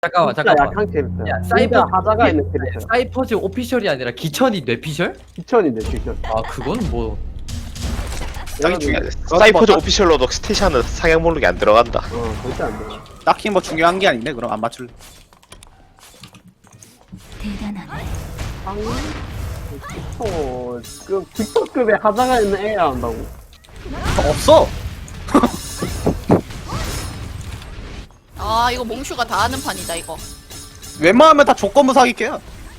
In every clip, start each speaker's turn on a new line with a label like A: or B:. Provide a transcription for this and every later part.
A: 잠깐만
B: 진짜
A: 잠깐만.
B: 약한 캐릭터야.
A: 야,
B: 진짜 하자가 있는 캐릭터야.
A: 사이퍼즈 오피셜이 아니라 기천이 뇌피셜?
B: 기천인데 기천.
A: 아 그건 뭐
C: 딱히 중요해. 사이퍼즈 오피셜로도 스테이션은 상향 목록이 안 들어간다.
B: 절대 안 돼.
D: 딱히 뭐 중요한 게 아닌데 그럼 안 맞출래.
E: 대단하네.
B: 그 기초급의 하자가 있는 애야 한다고.
D: 없어.
F: 아 이거 몽슈가 다 하는 판이다 이거.
D: 웬만하면 다 조건부 사기캐야.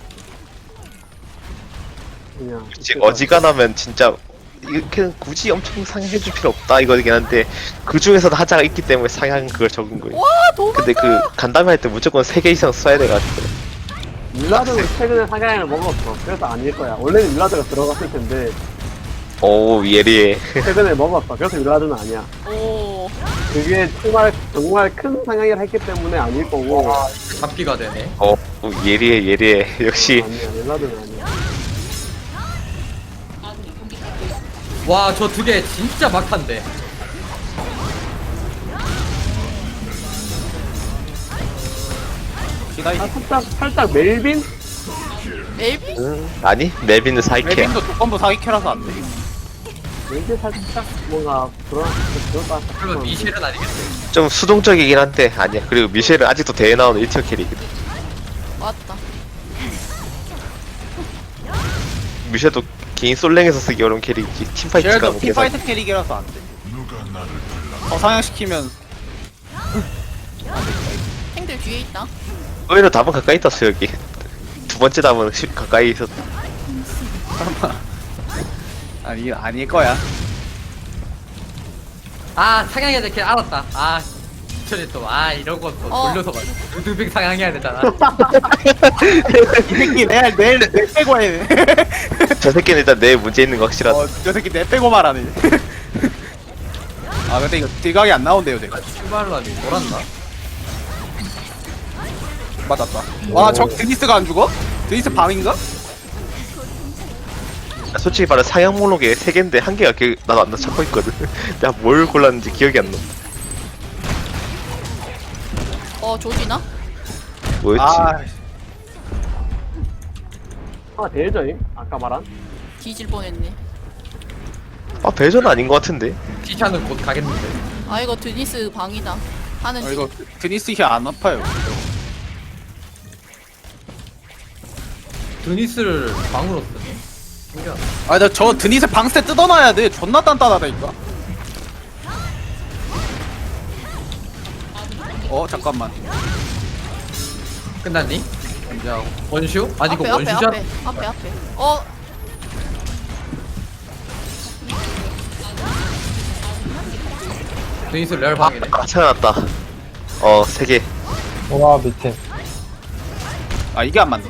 B: 그냥.
C: 그치, 어지간하면 진짜 이렇게 굳이 엄청 상향해줄 필요 없다 이거긴 한데 그 중에서도 하자가 있기 때문에 상향 그걸 적은 거예요.
F: 와 도망가.
C: 근데 그 간담회 할 때 무조건 3개 이상 써야 돼가지고.
B: 윌라드는 최근에 사냥을 먹었어. 그래서 아닐 거야. 원래는 윌라드가 들어갔을 텐데
C: 오 예리해.
B: 최근에 먹었어. 그래서 윌라드는 아니야.
F: 오.
B: 그게 정말 큰 상향을 했기 때문에 아닐 거고.
A: 잡기가 되네.
C: 오 예리해. 역시
B: 아니야. 윌라드는 아니야.
A: 와 저 두 개 진짜 막한데.
B: 아, 살짝 멜빈?
F: 멜빈?
C: 아니 멜빈은 사이캐야.
D: 멜빈도 조건부 사기캐라서 안 돼.
B: 멜빈 살짝 뭔가 그럴까
A: 그러면 미셸은 아니겠지.
C: 좀 수동적이긴 한데 아니야. 그리고 미셸은 아직도 대회 나오는 1티어 캐릭이거든.
F: 맞다.
C: 미셸도 개인 솔랭에서 쓰기 어려운 캐릭이지. 팀파이트가
D: 쟤도
C: 뭐 계산.
D: 팀파이트 캐릭이라서 안 돼. 더 상향시키면
F: 행들 뒤에 있다.
C: 의외로 답은 가까이 있었어 여기. 두 번째 답은 가까이 있었다.
D: 아니 아닐 거야.
A: 아 상향해야 될 게 알았다. 아 기천이 또 이러고 또 돌려서 말. 루드빅 상향해야 되잖아.
D: 이 새끼 내일 내 빼고 해.
C: 저 새끼는 일단 내 문제 있는 거 확실하다.
D: 저 새끼 내 빼고 말하네. 아 근데 이거 딜각이 안 나온대요 내가.
A: 출발라니 돌았나?
D: 맞았다. 와 저 드니스가 안 죽어? 드니스 방인가?
C: 솔직히 말해 상향 목록에 3개인데 1개가 나도 안 찾고 있거든. 내가 뭘 골랐는지 기억이 안 나.
F: 조지나?
C: 뭐였지?
B: 대전임? 아까 말한?
F: 뒤질 뻔했네.
C: 배전 아닌 것 같은데.
A: 티샤는 곧 가겠는데.
F: 아 이거 드니스 방이다. 하는 중.
D: 이거 드니스 힐안 아파요.
A: 드니스를 방으로 쓰네. 신기하다.
D: 저 드니스 방스테 뜯어놔야 돼. 존나 단단하다니까. 잠깐만.
A: 끝났니? 야 원슈? 아니 이거
F: 앞에
A: 원슈잖아.
F: 앞에.
A: 드니스 레알 방이네.
C: 생각났다. 3개.
G: 와 밑에
D: 아 이게 안 맞네.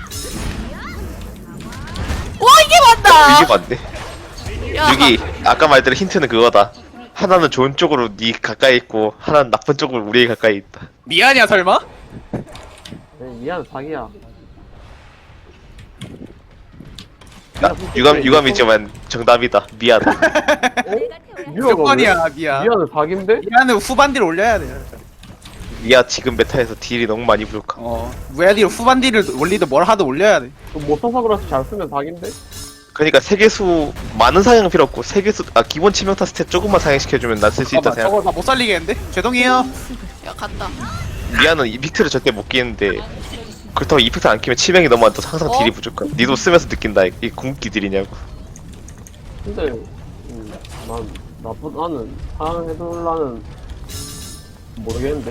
F: 와 이게 맞다.
C: 이게 맞네.
F: 야.
C: 여기 아까 말대로 힌트는 그거다. 하나는 좋은 쪽으로 니 가까이 있고 하나는 나쁜 쪽으로 우리 가까이 있다.
D: 미안이야 설마?
B: 미안 사기야.
C: 유감이지만 정답이다. 미안.
D: 조건이야 미안.
B: 미안은 사기인데?
D: 미안은 후반 딜 올려야 돼.
C: 미아 지금 메타에서 딜이 너무 많이 부족함.
D: 무야 딜 후반 딜을 올리든 뭘 하든 올려야 돼.
B: 못 써서 그렇지 잘 쓰면 사기인데?
C: 그러니까 세계수 많은 상향 필요 없고 세계수 기본 치명타 스탯 조금만 상향시켜주면 난 쓸 수 있다 생각.
D: 저거 나 못 살리겠는데? 죄송해요.
F: 야 갔다.
C: 미아는 이펙트를 절대 못 끼는데 그렇다고 이펙트 안 끼면 치명이 너무 안 떠서 항상 딜이 부족함. 니도 쓰면서 느낀다. 이 궁극기 딜이냐고.
B: 근데 나는 상해둘라는 모르겠는데.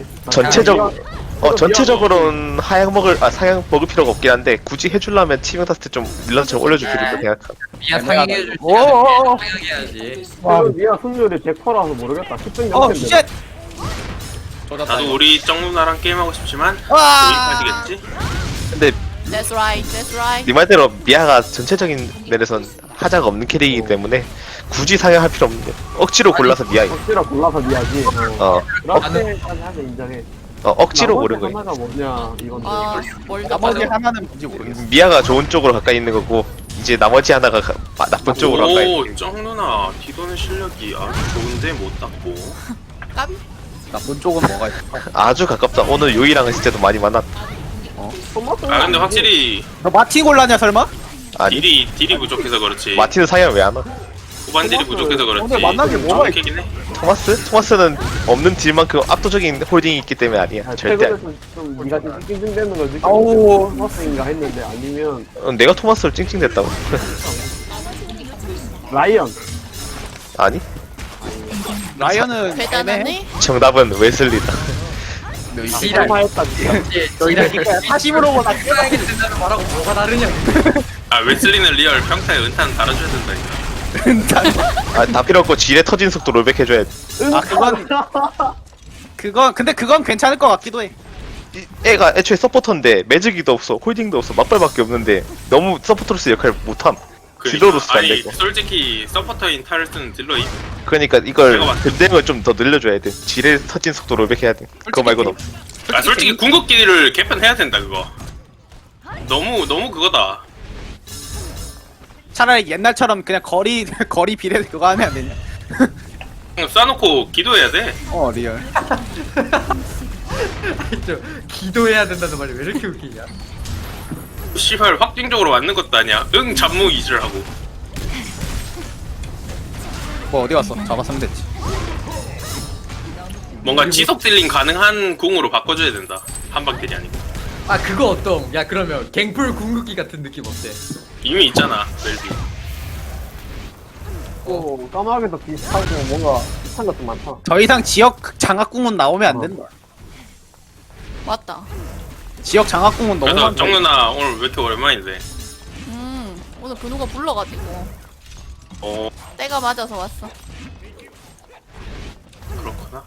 C: 전체적으로는 상향 먹을 필요가 없긴 한데 굳이 해주려면 치명타 스탯 좀 밀라처럼 올려줄 필요 있다 생각함.
A: 미야 상향해줄지
B: 어어어.
A: 상향해야지.
B: 미아 승률이 100%라서 모르겠다. 10등
D: 쉣.
B: 0인데.
H: 나도 우리 쩡누나랑 게임하고 싶지만
D: 와.
H: 우리까지겠지?
C: 근데
F: That's right.
C: 네 말대로 미아가 전체적인 면에선 하자가 없는 캐릭이기 때문에 굳이 상향할 필요 없는데 억지로 골라서 미아이.
B: 억지로 골라서 미아지. 그렇게까지 하면 인정해.
C: 억지로
B: 나머지
C: 고른 거야.
B: 하나가 뭐냐 이건데.
F: 멀다.
D: 나머지 하나는 뭔지 모르겠어.
C: 미아가 좋은 쪽으로 가까이 있는 거고 이제 나머지 하나가 나쁜 쪽으로 가까이 있는
H: 오 쩡누나 뒤도는 실력이 아주 좋은데 못 닦고
F: 까비.
D: 나쁜 쪽은 뭐가 있어?
C: 아주 가깝다. 오늘 요이랑은 진짜도 많이 만났다.
H: 아 근데 확실히
D: 너 마틴 골라냐 설마?
C: 아니
H: 딜이 부족해서 그렇지.
C: 마틴은 상향 왜 안 와?
H: 후반 딜이 부족해서 그렇지.
D: 오늘 만난 게 뭐가
H: 정확하긴 해.
C: 토마스는 없는 딜만큼 압도적인 홀딩이 있기 때문에 아니야. 절대 아니야.
B: 최근에서 좀 니가 좀 찡찡대는 걸 느끼고
D: 아우.
B: 토마스인가 했는데 아니면
C: 내가 토마스를 찡찡댔다고.
B: 라이언.
C: 아니
D: 라이언은
F: 대단하네.
C: 정답은 웨슬리다.
A: 지랄.
B: 설마했다 진짜.
A: 지랄.
D: 사심으로 보다
A: 깨끗하게 된다는 말하고 뭐가 다르냐.
H: 아 웨슬리는 리얼 평타에 은탄 달아줘야 된다니까.
C: 다 필요 없고 지뢰 터진 속도 롤백 해줘야 돼.
D: 아 그건 근데 그건 괜찮을 것 같기도 해.
C: 애가 애초에 서포터인데 매직이도 없어 홀딩도 없어 맞발밖에 없는데 너무 서포터로서 역할을 못함. 딜러로서 안
H: 아니
C: 되고.
H: 솔직히 서포터인 탈을 쓰는 딜러이
C: 그러니까 이걸
H: 내가 맞-
C: 근댕을 좀 더 늘려줘야 돼. 지뢰 터진 속도 롤백 해야 돼. 그거 말고는 없어.
H: 아 솔직히 궁극기를 개편해야 된다 그거. 너무 그거다.
D: 차라리 옛날처럼 그냥 거리 비례 그거 하면 안 되냐?
H: 그냥 쏴놓고 기도해야 돼.
D: 리얼.
A: 좀 기도해야 된다는 말이 왜 이렇게 웃기냐.
H: 씨발 확정적으로 맞는 것도 아니야. 응 잡무 이질하고.
D: 뭐 어디 갔어? 잡았으면 됐지.
H: 뭔가 지속 딜링 가능한 궁으로 바꿔줘야 된다. 한방 딜이 아니고.
A: 아 그거 어떤? 야 그러면 갱플 궁극기 같은 느낌 어때?
H: 이미 있잖아 멜비.
B: 또 까마귀도 비슷하고 뭔가 비슷한 것도 많다.
D: 더 이상 지역 장학궁은 나오면 안 된다.
F: 맞다.
D: 지역 장학궁은 너무
H: 그래서
D: 많다.
H: 정 누나 오늘 왜 이렇게 오랜만인데?
F: 오늘 근우가 불러가지고
H: 어
F: 때가 맞아서 왔어.
H: 그렇구나.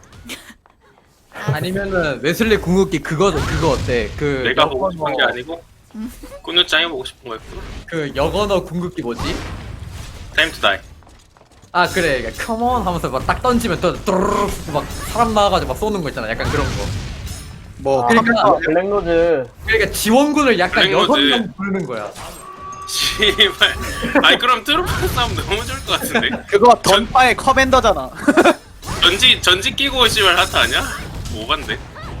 A: 아니면은 웨슬리 궁극기 그거 어때? 그
H: 내가 보고 싶은 게
A: 여건어-
H: 아니고 꾸누짱이 보고 싶은 거였구나.
A: 그 여건어 궁극기 뭐지?
H: 타임 투 다이.
A: 아 그래 컴온 하면서 막 딱 던지면 또 뚜루루루 막 사람 나와가지고 막 쏘는 거 있잖아 약간 그런 거.
D: 뭐
A: 그러니까
B: 블랙로즈.
A: 그러니까 지원군을 약간
H: 블랙로즈.
A: 6명 부르는 거야.
H: 씨발. 아니 그럼 트루프 싸움 너무 좋을 것 같은데.
D: 그거 던파의 커맨더잖아.
H: 전지 끼고 씨발 하트 아니야? 오반데.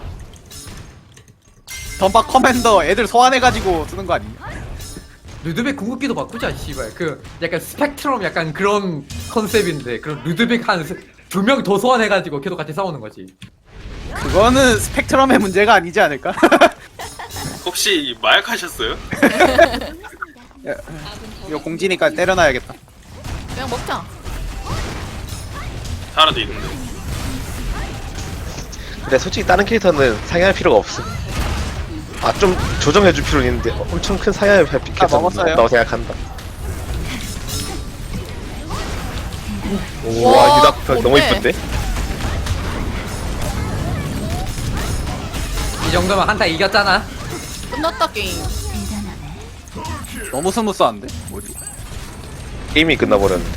D: 던파 커맨더 애들 소환해가지고 쓰는 거 아니야?
A: 루드백 궁극기도 바꾸자 씨발. 그 약간 스펙트럼 약간 그런 컨셉인데 그럼 루드백 한 2명 더 소환해가지고 걔도 같이 싸우는 거지.
D: 그거는 스펙트럼의 문제가 아니지 않을까?
H: 혹시 마약하셨어요?
D: 이거 공지니까 때려놔야겠다.
F: 그냥 먹자.
H: 살아도 있는데.
C: 근데 솔직히 다른 캐릭터는 상향할 필요가 없음. 좀 조정해줄 필요는 있는데 엄청 큰 상향을 할 필요가
D: 먹었어요?
C: 없다고 생각한다.
F: 와,
C: 와 유닥 너무
F: 뭔데?
C: 이쁜데?
A: 이 정도면 한타 이겼잖아.
F: 끝났다 게임.
D: 너무 스무스한데? 뭐지?
C: 게임이 끝나버렸는데.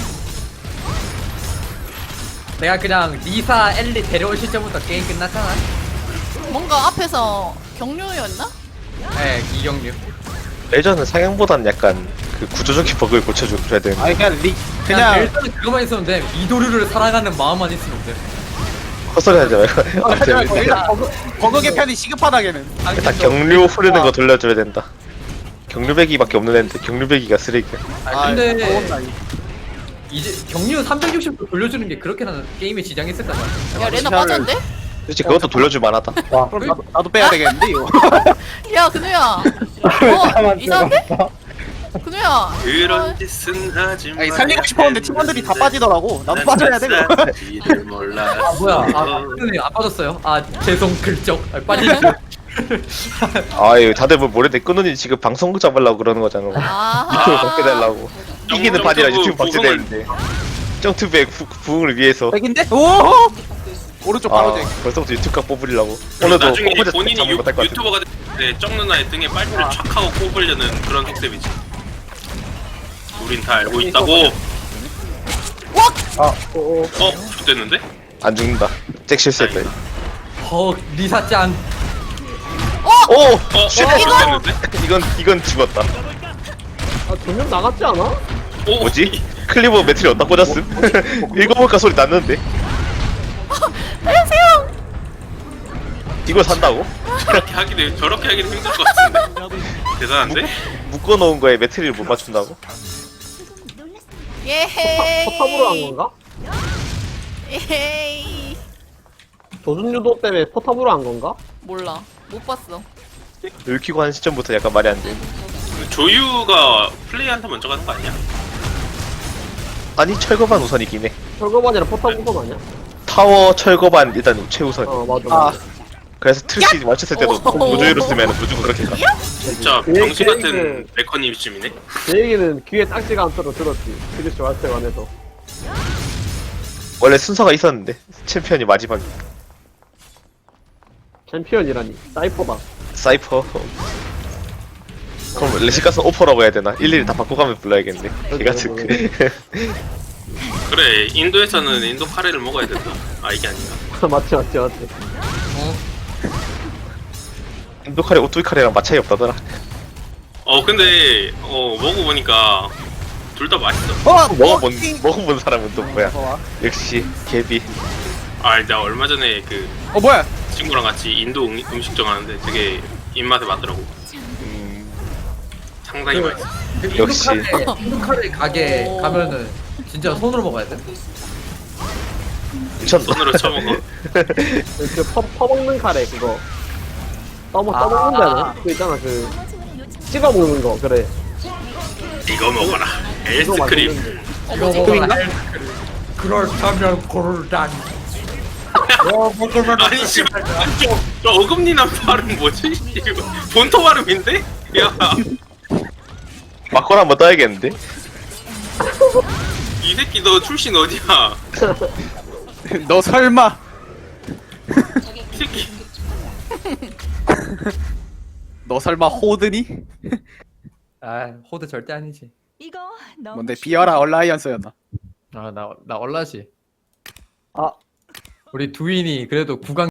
A: 내가 그냥 리사 엘리 데려올 시점부터 게임 끝났잖아.
F: 뭔가 앞에서 경료였나?
A: 네 이경류.
C: 레전은 상향보단 약간 그 구조적인 버그를 고쳐줘야 되는데
D: 아니 그냥
A: 그냥
D: 그냥
A: 일단은 그거만 있으면 돼. 이도류를 사랑하는 마음만 있으면 돼.
C: 헛소리 하지 말고
D: 일단 버그 개편이 시급하다게는.
C: 일단 경류 흐르는 거 돌려줘야 된다. 경류배기밖에 없는 애인데 경류배기가 쓰레기야.
A: 아 근데
D: 더웠나, 이거.
A: 이제 경류 360도 돌려주는 게 그렇게는 게임에 지장이 있을까 봐.
F: 야 레나
D: 시간을-
F: 빠졌는데?
C: 솔직히 그것도 돌려줄 만하다.
D: 그럼 나도 빼야 되겠는데 이거.
F: 야 근우야. 이상한데? 근우야.
H: 그런 짓은 하지 마.
D: 아니 살리고 싶었는데 팀원들이 다 빠지더라고. 나도 빠져야 돼 그거.
H: 몰라.
A: 아 뭐야? 안 빠졌어요? 아 죄송 글쩍. 빠지죠.
C: 아유 다들 뭐 모레 내 끊으니 지금 방송국 잡으려고 그러는 거잖아. 유튜브
F: 아.
C: 먹게 달라고. 이기는 판이라 유튜브 박제되는데. 점투백 부흥을 위해서.
D: 백인데? 오! 오른쪽 바로 쟁.
C: 벌써부터 유튜브 각 뽑으려고. 오늘도
H: 나중에
C: 컴퓨터
H: 본인이
C: 잡는 못할 것 같은데.
H: 유튜버가 됐을 때정 누나의 등에 빨대를 촥 하고 꼽으려는 그런 속셈이지. 우린 다 알고 있다고. 됐는데?
C: 안 죽는다. 잭 실수했다.
A: 헉 리사짱.
C: 오!
H: 됐는데?
C: 이건 죽었다.
B: 두명 나갔지 않아?
H: 오,
C: 뭐지? 클리버 매트리 어디다 꽂았음? 읽어볼까 소리 났는데. 이걸 산다고?
H: 저렇게 하기는 힘들 것 같은데. 대단한데?
C: 묶어놓은 거에 매트리를 못 맞춘다고?
F: 예헤이.
B: 포탑으로 한 건가?
F: 예헤이.
B: 조준 유도 때문에 포탑으로 한 건가?
F: 몰라. 못 봤어.
C: 늙히고 한 시점부터 약간 말이 안 돼.
H: 조유가 플레이한테 먼저 가는 거 아니야?
C: 아니 철거반 우선이긴 해.
B: 철거반이랑 포탑 우선 아니야?
C: 타워 철거반 일단 최우선.
B: 맞아
D: 아
B: 맞아.
C: 그래서 트리시 맞췄을 때도 무조유로 쓰면 무조건 그렇게 가.
H: 진짜
B: 그
H: 병신
B: 얘기는-
H: 같은 메커니즘이네.
B: 제 얘기는 귀에 딱지가 않도록 들었지. 그리스 왔을 때 관해서.
C: 원래 순서가 있었는데 챔피언이 마지막.
B: 챔피언이라니. 사이퍼다.
C: 사이퍼. 그럼 레시가스 오퍼라고 해야 되나? 일일이 다 바꿔가면 불러야겠네. 걔같은
H: 그래, 인도에서는 인도 카레를 먹어야 된다. 아, 이게 아닌가?
B: 맞지 맞지 맞지.
C: 인도카레 오뚜이카레랑 맛 차이 없다더라.
H: 근데 먹어보니까 둘 다 맛있어.
C: 먹어본 사람은 또 뭐야? 역시 개비.
H: 아, 나 얼마 전에 그
D: 뭐야?
H: 친구랑 같이 인도 음식 정하는데 되게 입맛에 맞더라고. 상당히 맛있어.
C: 역시.
A: 인도카레 가게
F: 오.
A: 가면은 진짜 손으로 먹어야 돼.
C: 미쳤나?
H: 손으로 쳐먹어.
B: 그 퍼먹는 카레 그거. 떠먹는 거 아니야? 그 있잖아 그 찍어 먹는 거 그래.
H: 이거 먹어라.
B: 이거
H: 에이스크림.
B: 맛있는데.
A: 이거 먹어라. 그렇다면 고르다니.
H: 아니 씨발 저 어금니난 발음 뭐지? 이거 본토 발음인데? 야,
C: 막걸 한번 떠야겠는데?
H: 이 새끼 너 출신 어디야?
D: 너 설마
H: 이 새끼.
D: 너 설마 호드니?
A: 아 호드 절대 아니지.
E: 이거 너무
D: 뭔데 비어라 얼라이언스였나?
A: 나 얼라지.
B: 아
A: 우리 두인이 그래도 구강